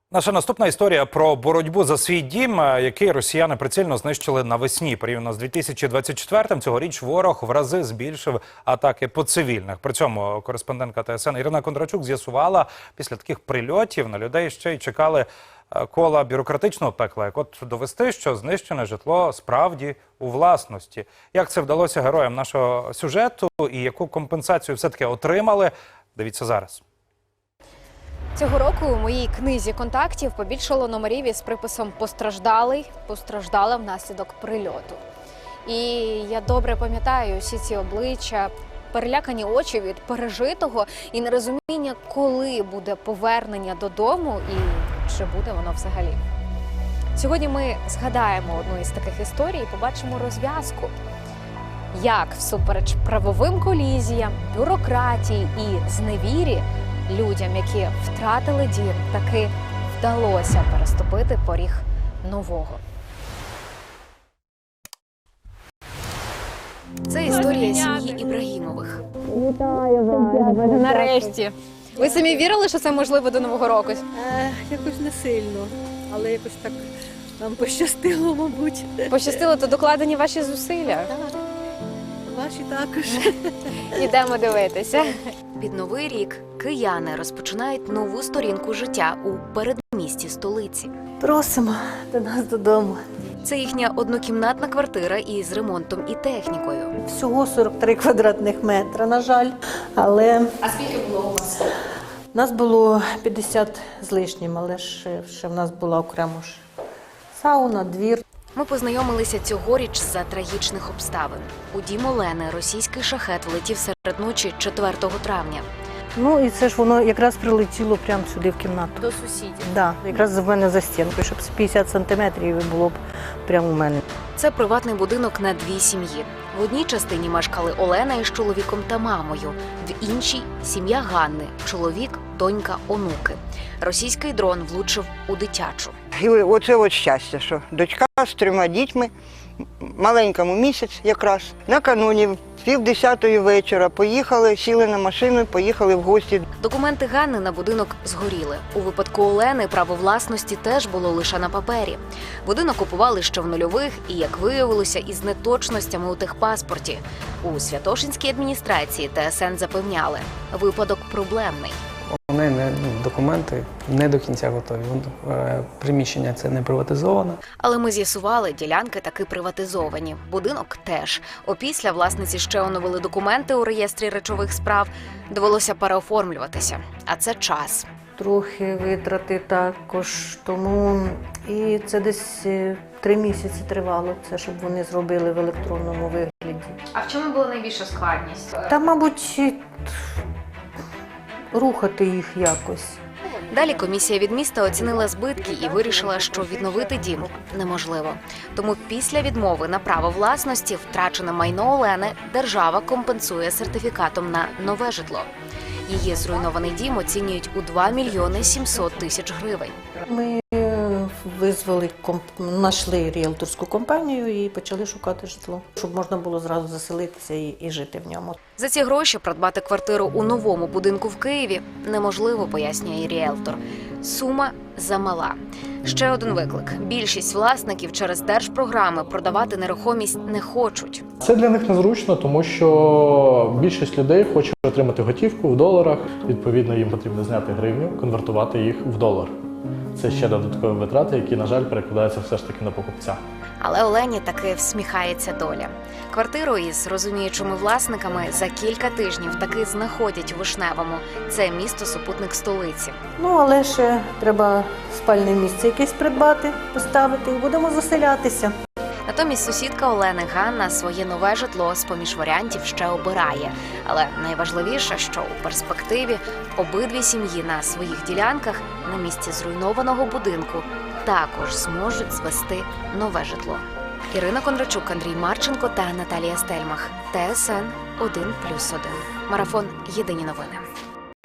Наша наступна історія про боротьбу за свій дім, який росіяни прицільно знищили навесні. Порівняно з 2024-м цьогоріч ворог в рази збільшив атаки по цивільних. При цьому кореспондентка ТСН Ірина Кондрачук з'ясувала, після таких прильотів на людей ще й чекали кола бюрократичного пекла. Як от довести, що знищене житло справді у власності. Як це вдалося героям нашого сюжету і яку компенсацію все-таки отримали, дивіться зараз. Цього року у моїй книзі контактів побільшало номерів із приписом «Постраждалий», «Постраждала внаслідок прильоту». І я добре пам'ятаю всі ці обличчя, перелякані очі від пережитого і нерозуміння, коли буде повернення додому і чи буде воно взагалі. Сьогодні ми згадаємо одну із таких історій і побачимо розв'язку. Як всупереч правовим колізіям, бюрократії і зневірі людям, які втратили дім, таки вдалося переступити поріг нового. Це історія сім'ї Ібрагімових. Вітаю вас! Нарешті. Ви самі вірили, що це можливо до Нового року? Якось не сильно, але якось так нам пощастило, мабуть. Пощастило, то докладені ваші зусилля. Ваші також. Ідемо дивитися. Під Новий рік кияни розпочинають нову сторінку життя у передмісті столиці. Просимо до нас додому. Це їхня однокімнатна квартира із ремонтом і технікою. Всього 43 квадратних метри, на жаль. Але А скільки було у вас? нас було 50 з лишнім, але ще в нас була окремо ж сауна, двір. Ми познайомилися цьогоріч за трагічних обставин. У дім Олени російський шахет влетів серед ночі 4 травня. Ну і це ж воно якраз прилетіло прямо сюди в кімнату. До сусідів. Да, якраз в мене за стінкою, щоб з 50 сантиметрів було б прямо у мене. Це приватний будинок на 2 сім'ї. В одній частині мешкали Олена із чоловіком та мамою, в іншій – сім'я Ганни, чоловік, донька, онуки. Російський дрон влучив у дитячу. І оце от щастя, що дочка з 3 дітьми, маленькому місяць якраз, накануні в 9:30 вечора поїхали, сіли на машину і поїхали в гості. Документи Ганни на будинок згоріли. У випадку Олени право власності теж було лише на папері. Будинок купували ще в нульових і, як виявилося, із неточностями у техпаспорті. У Святошинській адміністрації ТСН запевняли – випадок проблемний. Вони документи не до кінця готові. Приміщення це не приватизоване. Але ми з'ясували, ділянки таки приватизовані. Будинок теж. Опісля власниці ще оновили документи у реєстрі речових справ. Довелося переоформлюватися. А це час. Трохи витрати також, тому і це десь 3 місяці тривало, це щоб вони зробили в електронному вигляді. А в чому була найбільша складність? Та, мабуть, рухати їх якось. Далі комісія від міста оцінила збитки і вирішила, що відновити дім неможливо. Тому після відмови на право власності втрачене майно Олени держава компенсує сертифікатом на нове житло. Її зруйнований дім оцінюють у 2 мільйони 700 тисяч гривень. Ми визвали, знайшли ріелторську компанію і почали шукати житло, щоб можна було зразу заселитися і жити в ньому. За ці гроші придбати квартиру у новому будинку в Києві неможливо, пояснює ріелтор. Сума замала. Ще один виклик. Більшість власників через держпрограми продавати нерухомість не хочуть. Це для них незручно, тому що більшість людей хоче отримати готівку в доларах. Відповідно, їм потрібно зняти гривню, конвертувати їх в долар. Це ще додаткові витрати, які, на жаль, перекладаються все ж таки на покупця. Але Олені таки всміхається доля. Квартиру із розуміючими власниками за кілька тижнів таки знаходять у Вишневому. Це місто-супутник столиці. Ну, але ще треба спальне місце якесь придбати, поставити і будемо заселятися. Натомість сусідка Олени Ганна своє нове житло з-поміж варіантів ще обирає. Але найважливіше, що у перспективі обидві сім'ї на своїх ділянках на місці зруйнованого будинку також зможуть звести нове житло. Ірина Кондрачук, Андрій Марченко та Наталія Стельмах. ТСН 1+1. Марафон. Єдині новини.